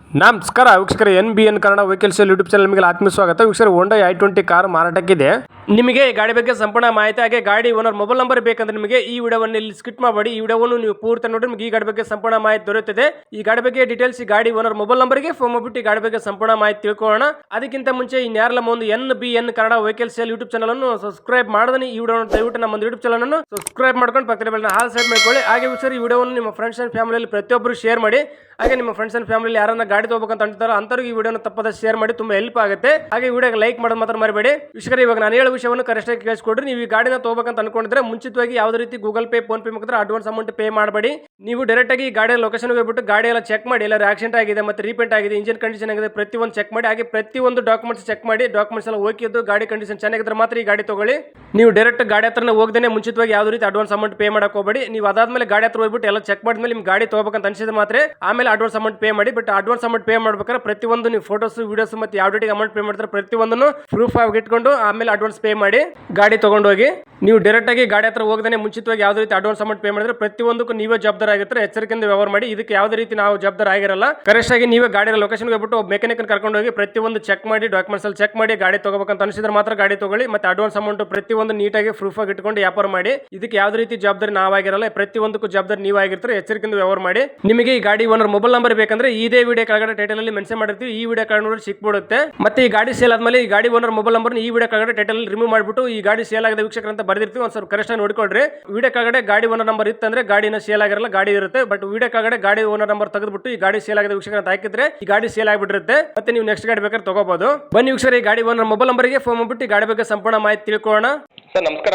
ನಮಸ್ಕಾರ ವೀಕ್ಷಕರ NBN Kannada vehicle sale YouTube channel ನಿಮಗೆ ಆತ್ಮೀಯ ಸ್ವಾಗತ. ವೀಕ್ಷಕರ ಹೋಂಡಾ i20 ಕಾರ್ ಮಾರಾಟಕ್ಕಿದೆ. ನಿಮಗೆ ಈ ಗಾಡಿ ಬಗ್ಗೆ ಸಂಪೂರ್ಣ ಮಾಹಿತಿ ಹಾಗೆ ಗಾಡಿ ಓನರ್ ಮೊಬೈಲ್ ನಂಬರ್ ಬೇಕಂದ್ರೆ ನಿಮಗೆ ಈ ವಿಡಿಯೋವನ್ನು ಇಲ್ಲಿ ಸ್ಕಿಪ್ ಮಾಡಬೇಡಿ. ಈ ವಿಡಿಯೋವನ್ನು ನೀವು ಪೂರ್ತಿ ನೋಡಿ ನಿಮಗೆ ಈ ಗಾಡಿ ಬಗ್ಗೆ ಸಂಪೂರ್ಣ ಮಾಹಿತಿ ದೊರೆಯುತ್ತದೆ. ಈ ಗಾಡಿ ಬಗ್ಗೆ ಡೀಟೇಲ್ಸ್ ಈ ಗಾಡಿ ಓನರ್ ಮೊಬೈಲ್ ನಂಬರ್ಗೆ ಫೋನ್ ಮಾಡಿಬಿಟ್ಟು ಈ ಗಾಡಿ ಬಗ್ಗೆ ಸಂಪೂರ್ಣ ಮಾಹಿತಿ ತಿಳ್ಕೊಳ್ಳೋಣ. ಅದಕ್ಕಿಂತ ಮುಂಚೆ ಇನ್ಯಾರಲ್ಲ ಒಂದು NBN Kannada vehicle sale YouTube channel ಅನ್ನು ಸಬ್ಸ್ಕ್ರೈಬ್ ಮಾಡದೇ ಈ ವಿಡಿಯೋ ದಯವಿಟ್ಟು ನಮ್ಮ ಯೂಟ್ಯೂಬ್ ಚಾನಲ್ ಅನ್ನು ಸಬ್ಸ್ಕ್ರೈಬ್ ಮಾಡ್ಕೊಂಡು ಪಕ್ಕದ ಬೆಲ್ ಹಾಲ್ ಸೈಡ್ ಮಾಡ್ಕೊಳ್ಳಿ. ಹಾಗೆ ವೀಕ್ಷಕರ ಈ ವಿಡಿಯೋವನ್ನು ನಿಮ್ಮ ಫ್ರೆಂಡ್ಸ್ ಅಂಡ್ ಫ್ಯಾಮಿಲಿಯಲ್ಲಿ ಪ್ರತಿಯೊಬ್ಬರು ಶೇರ್ ಮಾಡಿ. ಹಾಗೆ ನಿಮ್ಮ ಫ್ರೆಂಡ್ಸ್ ಅಂಡ್ ಫ್ಯಾಮಿಲಿ ಯಾರನ್ನ ಗಾಡಿ ತಗೋಬೇಕಂತ ಅಂತಾರೋ ಅಂತವ್ರಿಗೆ ಈ ವಿಡಿಯೋನ ತಪ್ಪದ ಶೇರ್ ಮಾಡಿ, ತುಂಬಾ ಹೆಲ್ಪ್ ಆಗುತ್ತೆ. ಹಾಗೆ ವಿಡಿಯೋಗೆ ಲೈಕ್ ಮಾಡೋದು ಮಾತ್ರ ಮರಿಬೇಡಿ. ವೀಕ್ಷಕರೇ, ಇವಾಗ ನಾನು ಹೇಳೋ ವಿಷಯವನ್ನು ಕರೆಕ್ಟ್ ಆಗಿ ಕೇಳಿಸ್ಕೊಡ್ರಿ. ನೀವು ಈ ಗಾಡಿನ ತಗೋಬೇಕಂತ ಅನ್ಕೊಂಡಿದ್ರೆ ಮುಂಚಿತವಾಗಿ ಯಾವುದೇ ರೀತಿ ಗೂಗಲ್ ಪೇ, ಫೋನ್ ಪೇ ಮುಖಾಂತರ ಅಡ್ವಾನ್ಸ್ ಅಮೌಂಟ್ ಪೇ ಮಾಡಬೇಡಿ. ನೀವು ಡೈರೆಕ್ಟ್ ಆಗಿ ಗಾಡಿಯ ಲೊಕೇಶನ್ ಹೋಗ್ಬಿಟ್ಟು ಗಾಡಿ ಎಲ್ಲ ಚೆಕ್ ಮಾಡಿ, ಎಲ್ಲ ಆಕ್ಸಿಡೆಂಟ್ ಆಗಿದೆ ಮತ್ತೆ ರೀಪೇಂಟ್ ಆಗಿದೆ, ಇಂಜಿನ್ ಕಂಡೀಷನ್ ಆಗಿದೆ, ಪ್ರತಿಯೊಂದು ಚೆಕ್ ಮಾಡಿ. ಹಾಗೆ ಪ್ರತಿಯೊಂದು ಡಾಕ್ಯುಮೆಂಟ್ಸ್ ಚೆಕ್ ಮಾಡಿ, ಡಾಕ್ಯುಮೆಂಟ್ಸ್ ಎಲ್ಲ ಓಕೆ ಇದ್ದು ಗಾಡಿ ಕಂಡೀಷನ್ ಚೆನ್ನಾಗಿದ್ರೆ ಮಾತ್ರ ಈ ಗಾಡಿ ತಗೊಳ್ಳಿ. ನೀವು ಡೈರೆಕ್ಟ್ ಗಾಡಿ ಹತ್ರನೇ ಹೋಗದೇನೆ ಮುಂಚಿತವಾಗಿ ಯಾವುದೇ ರೀತಿ ಅಡ್ವಾನ್ಸ್ ಅಮೌಂಟ್ ಪೇ ಮಾಡಕ್ ಹೋಗಬೇಡಿ. ನೀವು ಅದಾದ್ಮೇಲೆ ಗಾಡಿ ಹತ್ರ ಹೋಗ್ಬಿಟ್ಟು ಎಲ್ಲ ಚೆಕ್ ಮಾಡಿದ್ಮೇಲೆ ನಿಮ್ಗೆ ಗಾಡಿ ತಗೋಬೇಕಂತ ಅನ್ಸಿದ್ರೆ ಮಾತ್ರ ಆಮೇಲೆ ಅಡ್ವಾನ್ಸ್ ಅಮೌಂಟ್ ಪೇ ಮಾಡಿ. ಬಟ್ ಅಡ್ವಾನ್ಸ್ ಅಮೌಂಟ್ ಪೇ ಮಾಡ್ಬೇಕಾದ್ರೆ ಪ್ರತಿಯೊಂದು ನೀವು ಫೋಟೋಸ್, ವಿಡಿಯೋಸ್ ಮತ್ತೆ ಯಾವ ಡೇಟಿಗೆ ಅಮೌಂಟ್ ಪೇ ಮಾಡ್ತಾರೆ ಪ್ರತಿಯೊಂದನ್ನು ಪ್ರೂಫ್ ಆಗಿ ಇಟ್ಕೊಂಡು ಆಮೇಲೆ ಅಡ್ವಾನ್ಸ್ ಪೇ ಮಾಡಿ ಗಾಡಿ ತಗೊಂಡೋಗಿ. ನೀವು ಡೈರೆಕ್ಟ್ ಆಗಿ ಗಾಡಿ ಹತ್ರ ಹೋಗದೇ ಮುಂಚಿತವಾಗಿ ಯಾವುದೇ ರೀತಿ ಅಡ್ವಾನ್ಸ್ ಅಮೌಂಟ್ ಪೇ ಮಾಡಿದ್ರೆ ಪ್ರತಿಯೊಂದಕ್ಕೂ ನೀವೇ ಜವಾಬ್ದಾರ ಆಗಿರ್ತಾರೆ. ಎಚ್ಚರಿಕೆಯಿಂದ ವ್ಯವಹಾರ ಮಾಡಿ. ಇದಕ್ಕೆ ಯಾವುದೇ ರೀತಿ ನಾವು ಜವಾಬ್ದಾರ ಆಗಿರಲ್ಲ. ಕರೆಕ್ಟ್ ಆಗಿ ನೀವೇ ಗಾಡಿಯ ಲೊಕೇಶನ್ ಹೋಗ್ಬಿಟ್ಟು ಮೆಕ್ಯಾನಿಕ್ ಕರ್ಕೊಂಡು ಹೋಗಿ ಪ್ರತಿಯೊಂದು ಚೆಕ್ ಮಾಡಿ, ಡಾಕ್ಯುಮೆಂಟ್ಸ್ ಅಲ್ಲಿ ಚೆಕ್ ಮಾಡಿ ಗಾಡಿ ತಗೋಬೇಕಂತ ಅನಿಸಿದ್ರೆ ಮಾತ್ರ ಗಾಡಿ ತಗೊಳ್ಳಿ. ಮತ್ತೆ ಅಡ್ವಾನ್ಸ್ ಅಮೌಂಟ್ ಪ್ರತಿಯೊಂದು ನೀಟಾಗಿ ಪ್ರೂಫ್ ಆಗಿ ಇಟ್ಕೊಂಡು ವ್ಯಾಪಾರ ಮಾಡಿ. ಇದಕ್ಕೆ ಯಾವುದೇ ರೀತಿ ಜವಾಬ್ದಾರಿ ನಾವಾಗಿರಲ್ಲ. ಪ್ರತಿಯೊಂದಕ್ಕೂ ಜವಾಬ್ದಾರಿ ನೀವಾಗಿರ್ತಾರೆ. ಎಚ್ಚರಿಕೆಯಿಂದ ವ್ಯವಹಾರ ಮಾಡಿ. ನಿಮಗೆ ಈ ಗಾಡಿ ಓನರ್ ಮೊಬೈಲ್ ನಂಬರ್ ಬೇಕಂದ್ರೆ ಇದೇ ವಿಡಿಯೋ ಕೆಳಗಡೆ ಟೈಟಲ್ ಅಲ್ಲಿ ಮೆನ್ಷನ್ ಮಾಡಿರ್ತೀವಿ. ಈ ವಿಡಿಯೋ ಕೆಳಗಡೆ ನೋಡಿ ಸಿಕ್ಬಿಡುತ್ತೆ. ಮತ್ತೆ ಈ ಗಾಡಿ ಸೇಲ್ ಆದ್ಮೇಲೆ ಈ ಗಾಡಿ ಓನರ್ ಮೊಬೈಲ್ ನಂಬರ್ ಈ ವಿಡಿಯೋ ಕೆಳಗಡೆ ಟೈಟಲ್ ಅಲ್ಲಿ ರಿಮೂವ್ ಮಾಡಿಬಿಟ್ಟು ಈ ಗಾಡಿ ಸೇಲ್ ಆಗಿದೆ ವೀಕ್ಷಕರ ಅಂತ ಬರ್ದಿರ್ತೀವಿ. ಒಂದ್ ಸ್ವಲ್ಪ ಕರೆಕ್ಟ್ ಆಗಿ ನೋಡ್ಕೊಳ್ರಿ. ವಿಡಿಯೋ ಕೆಳಗಡೆ ಗಾಡಿ ಓನರ್ ನಂಬರ್ ಇತ್ತಂದ್ರೆ ಗಾಡಿನ ಸೇಲ್ ಆಗಿರಲ್ಲ, ಗಾಡಿ ಇರುತ್ತೆ. ಬಟ್ ವಿಡಿಯೋ ಕೆಳಗಡೆ ಗಾಡಿ ಓನರ್ ನಂಬರ್ ತೆಗೆದ್ಬಿಟ್ಟು ಈ ಗಾಡಿ ಸೇಲ್ ಆಗಿದೆ ವೀಕ್ಷಕರ ಅಂತ ಹಾಕಿದ್ರೆ ಈ ಗಾಡಿ ಸೇಲ್ ಆಗಿಬಿಟ್ಟಿರುತ್ತೆ. ಮತ್ತೆ ನೀವು ನೆಕ್ಸ್ಟ್ ಗಾಡಿ ಬೇಕಾದ್ರೆ ತಗೋಬಹುದು. ಬನ್ನಿ ವೀಕ್ಷಕರ, ಈ ಗಾಡಿ ಓನರ್ ಮೊಬೈಲ್ ನಂಬರ್ಗೆ ಫೋನ್ ಮಾಡ್ಬಿಟ್ಟು ಈ ಗಾಡಿ ಬಗ್ಗೆ ಸಂಪೂರ್ಣ ಮಾಹಿತಿ ತಿಳ್ಕೊಳ್ಳೋಣ. ಸರ್ ನಮಸ್ಕಾರ.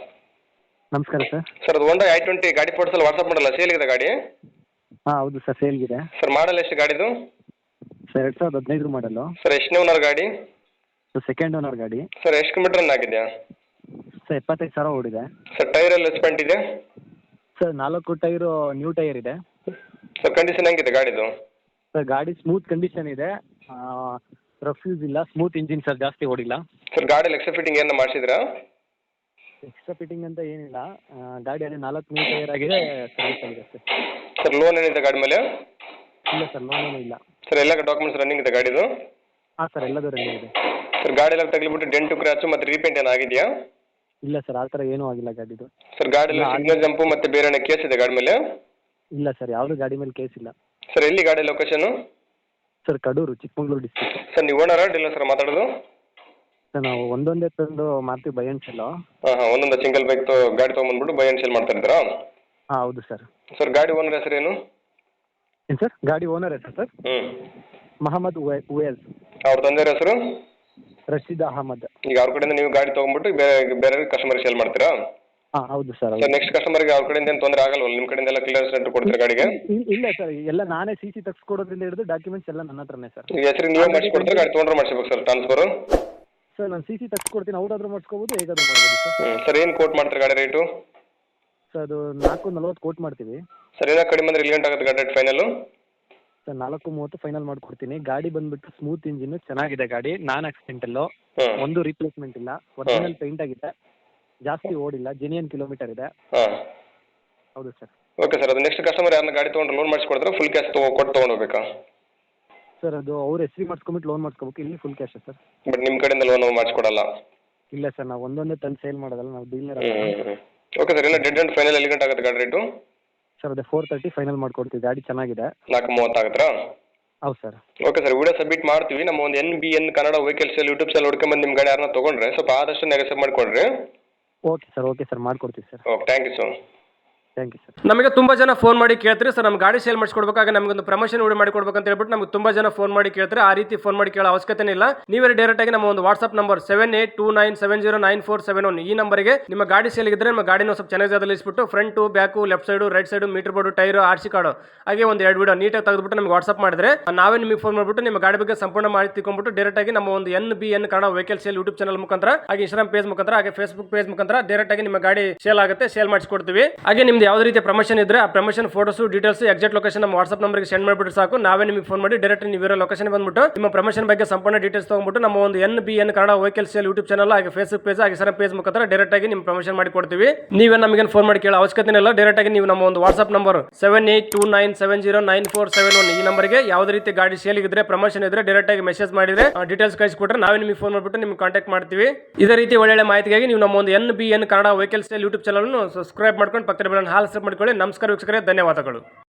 ನಮಸ್ಕಾರ ಸರ್. ಸರ್ ಅದು ಹೋಂಡಾ i20 ಗಾಡಿ ಫೋಟೋಸ್ ಎಲ್ಲ ವಾಟ್ಸಪ್ ಮಾಡಲ್ಲ, ಸೇಲ್ ಇದೆ ಗಾಡಿ? ಹಾಂ ಹೌದು ಸರ್, ಸೇಲ್ಗಿದೆ. ಸರ್ ಮಾಡಲ್ ಎಷ್ಟು ಗಾಡಿದು? ಸರ್ 2015 ಮಾಡಲು. ಸರ್ ಎಷ್ಟನೇ ಓನರ್ ಗಾಡಿ? ಸರ್ ಸೆಕೆಂಡ್ ಓನರ್ ಗಾಡಿ. ಸರ್ ಎಷ್ಟು ಕಿಲೋಮೀಟರ್ ರನ್ ಆಗಿದೆ? ಸರ್ 75,000 ಓಡಿದೆ. ಸರ್ ಟೈರ್ ಎಲ್ಲ ಸ್ಪೆಂಟ್ ಇದೆ? ಸರ್ 4 ಟೈರು ನ್ಯೂ ಟೈರ್ ಇದೆ. ಸರ್ ಕಂಡೀಷನ್ ಹೆಂಗಿದೆ ಗಾಡಿದು? ಸರ್ ಗಾಡಿ ಸ್ಮೂತ್ ಕಂಡೀಷನ್ ಇದೆ, ರಫ್ಯೂಸ್ ಇಲ್ಲ, ಸ್ಮೂತ್ ಇಂಜಿನ್ ಸರ್, ಜಾಸ್ತಿ ಓಡಿಲ್ಲ. ಸರ್ ಗಾಡಿ ಎಕ್ಸ್ಟ್ರಾ ಫಿಟ್ಟಿಂಗ್ ಏನು ಮಾಡಿಸಿದ್ರಾ? ಎಕ್ಸ್ಟ್ರಾ ಫಿಟ್ಟಿಂಗ್ ಅಂತ ಏನಿಲ್ಲ, ಗಾಡಿ ಅದೇ 4 ನ್ಯೂ ಟೈರ್ ಆಗಿದೆ, ಸರ್ವಿಸ್ ಆಗಿದೆ ಸರ್. ಸರ್ ಲೋನ್ ಏನಿದೆ ಗಾಡಿ ಮೇಲೆ? ಇಲ್ಲ ಸರ್, ಲೋನೇನೂ ಇಲ್ಲ. ಸರ್ ಎಲ್ಲ ಡಾಕ್ಯುಮೆಂಟ್ಸ್ ರನ್ನಿಂಗ್ ಇದೆ ಗಾಡಿದು? ಹಾಂ ಸರ್, ಎಲ್ಲದೂ ರೆಡಿ ಇದೆ. ಸರ್ ಗಾಡಿ ಎಲ್ಲ ತಗಲಿಬಿಟ್ಟು ಡೆಂಟು ಕ್ರ್ಯಾಚು ಮತ್ತು ರೀಪೇಂಟ್ ಏನು ಆಗಿದೆಯಾ? ಇಲ್ಲ ಸರ್, ಆ ಥರ ಏನೂ ಆಗಿಲ್ಲ ಗಾಡಿದು. ಸರ್ ಗಾಡಿ ಎಲ್ಲ ಸಿಗ್ನಲ್ ಜಂಪು ಮತ್ತು ಬೇರೆ ಏನೋ ಕೇಸ್ ಇದೆ ಗಾಡಿ ಮೇಲೆ? ಇಲ್ಲ ಸರ್, ಯಾವುದೂ ಗಾಡಿ ಮೇಲೆ ಕೇಸ್ ಇಲ್ಲ. ಸರ್ ಎಲ್ಲಿ ಗಾಡಿ location? Sir Kadur, Chikkamagaluru district. Sir ನೀವು ಓನರಾ ಡೀಲರ್ ಸರ್ ಮಾತಾಡೋದು? ಸರ್ ನಾವು ಒಂದೊಂದೇ ತಂದು ಮಾರ್ತೀವಿ, ಬೈ ಆ್ಯಂಡ್ ಸೆಲ್ಲು. ಹಾಂ ಒಂದೊಂದು ಸಿಂಗಲ್ ಬೈಕ್ ಗಾಡಿ ತೊಗೊಂಬಂದ್ಬಿಟ್ಟು ಬೈ ಆ್ಯಂಡ್ ಸೇಲ್ ಮಾಡ್ತಾ ಇದ್ದೀರಾ? ಹಾಂ ಹೌದು ಸರ್. ಸರ್ ಗಾಡಿ ಓನರ್ ಹೆಸರೇನು? ಏನು ಸರ್, ಗಾಡಿ ಓನರ್ ಹೆಸರು ಸರ್ ಮೊಹಮ್ಮದ್ ಉವೇಲ್. ಅವ್ರ ತಂದೆಯವ್ರ ಹೆಸರು? ರಶೀದ್ ಅಹಮದ್. ಈಗ ಅವ್ರ ಕಡೆಯಿಂದ ನೀವು ಗಾಡಿ ತೊಗೊಂಡ್ಬಿಟ್ಟು ಬೇರೆ ಕಸ್ಟಮರ್ಗೆ ಸೇಲ್ ಮಾಡ್ತೀರಾ? ಹಾಂ ಹೌದು ಸರ್. ಸರ್ ನೆಕ್ಸ್ಟ್ ಕಸ್ಟಮರ್ಗೆ ಅವ್ರ ಕಡೆಯಿಂದ ಏನು ತೊಂದರೆ ಆಗಲ್ವಲ್ಲ? ನಿಮ್ಮ ಕಡೆಯಿಂದ ಎಲ್ಲ ಕ್ಲಿಯರೆನ್ಸ್ ಲೆಟರ್ ಕೊಡ್ತೀರಾ ಗಾಡಿಗೆ? ಇಲ್ಲ ಸರ್, ಎಲ್ಲ ನಾನೇ CC ತೆಗೆಸ್ಕೊಡೋದ್ರಿಂದ ಹಿಡಿದು ಡಾಕ್ಯುಮೆಂಟ್ಸ್ ಎಲ್ಲ ನನ್ನ ಹತ್ರನೇ ಸರ್. ಈಗ ಹೆಸರು ನೀವೇ ಮಾಡಿಸ್ಕೊಡ್ತೀರಾ ಗಾಡಿ ತೊಗೊಂಡ್ರೆ ಮಾಡಿಸ್ಬೇಕು ಸರ್ ಟ್ರಾನ್ಸ್ಫರು? ಸರ್ ನಾನು CC ತೆಗೆಸ್ಕೊಡ್ತೀನಿ, ಅವ್ರಾದ್ರೂ ಮಾಡಿಸ್ಕೋಬೋದು, ಹೇಗಾದ್ರೂ ಮಾಡ್ಬೋದು ಸರ್. ಸರ್ ಏನು ಕೋಟ್ ಮಾಡ್ತಾರೆ ಗಾಡಿ ರೇಟು? ಸರ್ ಅದು 440 ಕೋಟ್ ಮಾಡ್ತೀವಿ. ಸರ್ ಏನೋ ಕಡಿಮೆ ಅಂದರೆ ಇಲ್ಲಿ ಗಂಟೆ ಆಗುತ್ತೆ ಗಾಡಿ ರೇಟ್ ಫೈನಲ್ಲು? ಸರ್ 430 ಫೈನಲ್ ಮಾಡಿಕೊಡ್ತೀನಿ. ಗಾಡಿ ಬಂದುಬಿಟ್ಟು ಸ್ಮೂತ್ ಇಂಜಿನ್, ಚೆನ್ನಾಗಿದೆ ಗಾಡಿ, ನಾನ್ ಆಕ್ಸಿಡೆಂಟಲ್ಲು, ಒಂದು ರೀಪ್ಲೇಸ್ಮೆಂಟ್ ಇಲ್ಲ, ಒರಿಜಿನಲ್ ಪೇಂಟ್ ಆಗಿದೆ, ಜಾಸ್ತಿ ಓಡಿಲ್ಲ, ಜೆನ್ಯೂನ್ ಕಿಲೋಮೀಟರ್ ಇದೆ. ಹಾಂ ಹೌದು ಸರ್. ಓಕೆ ಸರ್, ಅದು ನೆಕ್ಸ್ಟ್ ಕಸ್ಟಮರ್ ಯಾರನ್ನ ಗಾಡಿ ತೊಗೊಂಡ್ರೆ ಲೋನ್ ಮಾಡಿಸ್ಕೊಡ್ತಾರೆ, ಫುಲ್ ಕ್ಯಾಶ್ ಕೊಟ್ಟು ತೊಗೊಂಡೋಗ್ಬೇಕಾ? ಸರ್ ಅದು ಅವ್ರ ಹೆಸ್ರಿಗೆ ಮಾಡಿಸ್ಕೊಂಬಿಟ್ಟು ಲೋನ್ ಮಾಡಿಸ್ಕೋಬೇಕು, ಇಲ್ಲಿ ಫುಲ್ ಕ್ಯಾಶ್ ಸರ್. ಬಟ್ ನಿಮ್ಮ ಕಡೆಯಿಂದ ಲೋನ್ ಮಾಡಿಸ್ಕೊಡಲ್ಲ? ಇಲ್ಲ ಸರ್, ನಾವು ಒಂದೊಂದೇ ತಂದು ಸೇಲ್ ಮಾಡೋದಲ್ಲ, ನಾವು ಡೀಲರ್. ಓಕೆ ಸರ್, ಇಲ್ಲ ಡೆಡ್ ಆ್ಯಂಡ್ ಫೈನಲ್ ಎಲ್ಲಿ ಗಂಟೆ ಆಗುತ್ತೆ ಗಾಡಿ ರೇಟು? ಸರ್ ಅದೇ 430 ಫೈನಲ್ ಮಾಡ್ಕೊಡ್ತೀವಿ, ಗಾಡಿ ಚೆನ್ನಾಗಿದೆ. 430 ಆಗುತ್ತಾ? ಹೌದು sir. Okay sir, video submit ಮಾಡ್ತೀವಿ. ನಮ್ಮ ಒಂದು NBN Kannada vehicle sale YouTube channel ಹುಡ್ಕೊಂಬಂದು ನಿಮ್ಮ ಗಾಡಿ ಯಾರನ್ನ ತೊಗೊಂಡ್ರೆ ಸ್ವಲ್ಪ ಆದಷ್ಟು ನೆಗೆಸೇಟ್ ಮಾಡಿಕೊಡ್ರಿ. ಓಕೆ ಸರ್, ಮಾಡ್ಕೊಡ್ತೀವಿ sir. Okay, thank you sir. Thank you sir. ನಮಗೆ ತುಂಬಾ ಜನ ಫೋನ್ ಮಾಡಿ ಕೇಳ್ತಾರೆ, ಸರ್ ನಮ್ಮ ಗಾಡಿ ಸೇಲ್ ಮಾಡಿಸ್ಕೊಡ್ಬೇಕಾಗ ನಮಗೊಂದು ಪ್ರಮೋಷನ್ ವಿಡಿಯೋ ಮಾಡಿಕೊಡ್ಬೇಕು ಅಂತ ಹೇಳ್ಬಿಟ್ಟು ನಮಗೆ ತುಂಬಾ ಜನ ಫೋನ್ ಮಾಡಿ ಕೇಳ್ತಾರೆ. ಆ ರೀತಿ ಫೋನ್ ಮಾಡಿ ಕೇಳೋ ಅವಶ್ಯಕತೆ ಇಲ್ಲ. ನೀವೇ ಡೈರೆಕ್ಟ್ ಆಗಿ ನಮ್ಮ ಒಂದು ವಾಟ್ಸ್ಆಪ್ ನಂಬರ್ 7829709471 ಈ ನಂಬರ್ಗೆ ನಿಮ್ಮ ಗಾಡಿ ಸೇಲ್ ಇದ್ರೆ ನಿಮ್ಮ ಗಾಡಿನ ಸ್ವಲ್ಪ ಚೆನ್ನಾಗಿ ಜಾಗದಲ್ಲಿ ಇಸ್ಬಿಟ್ಟು front, back, left side, right side, meter board, tyre, RC card ಹಾಗೆ ಒಂದು 2 ವಿಡಿಯೋ ನೀಟಾಗಿ ತೆಗೆದುಬಿಟ್ಟು ನಮಗೆ ವಾಟ್ಸ್ಆಪ್ ಮಾಡಿದ್ರೆ ನಾವೇ ನಿಮಗೆ ಫೋನ್ ಮಾಡಿಬಿಟ್ಟು ನಿಮ್ಮ ಗಾಡಿ ಬಗ್ಗೆ ಸಂಪೂರ್ಣ ಮಾಹಿತಿ ತಿಳ್ಕೊಂಡ್ಬಿಟ್ಟು ಡೈರೆಕ್ಟ್ ಆಗಿ ನಮ್ಮ ಒಂದು NBN Kannada vehicle sale YouTube channel ಮುಖಾಂತರ ಹಾಗೆ ಇನ್ಸ್ಟಾಗ್ರಾಮ್ ಪೇಜ್ ಮುಖಾಂತರ ಹಾಗೆ ಫೇಸ್ಬುಕ್ ಪೇಜ್ ಮುಖಾಂತರ ಡೈರೆಕ್ಟ್ ಆಗಿ ನಿಮ್ಮ ಗಾಡಿ ಸೇಲ್ ಆಗುತ್ತೆ, ಸೇಲ್ ಮಾಡಿಸ್ಕೊಡ್ತೀವಿ. ಹಾಗೆ ನಿಮ್ದು ಯಾವುದೇ ರೀತಿಯ ಪ್ರಮೋಷನ್ ಇದ್ರೆ ಆ promotion photos details exact location ನಮ್ಮ ವಾಟ್ಸ್ಆಪ್ ನಂಬರ್ಗೆ ಸೆಂಡ್ ಮಾಡಿಬಿಟ್ಟು ಸಾಕು, ನಾವೇ ನಿಮಗೆ ಫೋನ್ ಮಾಡಿ ಡೈರೆಕ್ಟ್ ನೀವು ಇರೋ ಲೊಕೇಶನ್ ಬಂದ್ಬಿಟ್ಟು ನಿಮ್ಮ ಪ್ರಮೋಷನ್ ಬಗ್ಗೆ ಸಂಪೂರ್ಣ ಡೀಟೇಲ್ಸ್ ತಗೊಂಡ್ಬಿಟ್ಟು ನಮ್ಮ ಒಂದು NBN Kannada vehicle sale YouTube channel ಹಾಗೆ ಫೇಸ್ಬುಕ್ ಪೇಜ್ ಹಾಗೆ ಸರ್ ಪೇಜ್ ಮುಖಾಂತರ ಡೈರೆಕ್ಟ್ ಆಗಿ ನಿಮ್ಮ ಪ್ರಮೋಷನ್ ಮಾಡಿ ಕೊಡ್ತೀವಿ. ನೀವೇ ನಮಗೆ ಫೋನ್ ಮಾಡಿ ಕೇಳೋ ಅವಶ್ಯಕತೆ ಇಲ್ಲ, ಡೈರೆಕ್ಟ್ ಆಗಿ ನೀವು ನಮ್ಮ ಒಂದು ವಾಟ್ಸ್ಆಪ್ ನಂಬರ್ 7829709471 ಈ ನಂಬರ್ಗೆ ಯಾವುದೇ ರೀತಿ ಗಾಡಿ ಸೇಲ್ ಇದ್ರೆ ಪ್ರಮೋಷನ್ ಇದ್ರೆ ಡೈರೆಕ್ಟ್ ಆಗಿ ಮೆಸೇಜ್ ಮಾಡಿದ್ರೆ ಡೀಟೇಲ್ಸ್ ಕಳಿಸಿಕೊಟ್ರೆ ನಾವೇ ನಿಮಗೆ ಫೋನ್ ಮಾಡಿಬಿಟ್ಟು ನಿಮ್ಗೆ ಕಾಂಟ್ಯಾಕ್ಟ್ ಮಾಡ್ತೀವಿ. ಇದೇ ರೀತಿ ಒಳ್ಳೆ ಮಾಹಿತಿಗಾಗಿ ನೀವು ನಮ್ಮ ಒಂದು NBN Kannada vehicle sale YouTube channel subscribe ಮಾಡ್ಕೊಂಡು ಪಕ್ಕದ ಬೆಲ್ ಹಾಲ್ ಸಬ್ ಮಾಡ್ಕೊಳ್ಳಿ. ನಮಸ್ಕಾರ ವೀಕ್ಷಕರೇ, ಧನ್ಯವಾದಗಳು.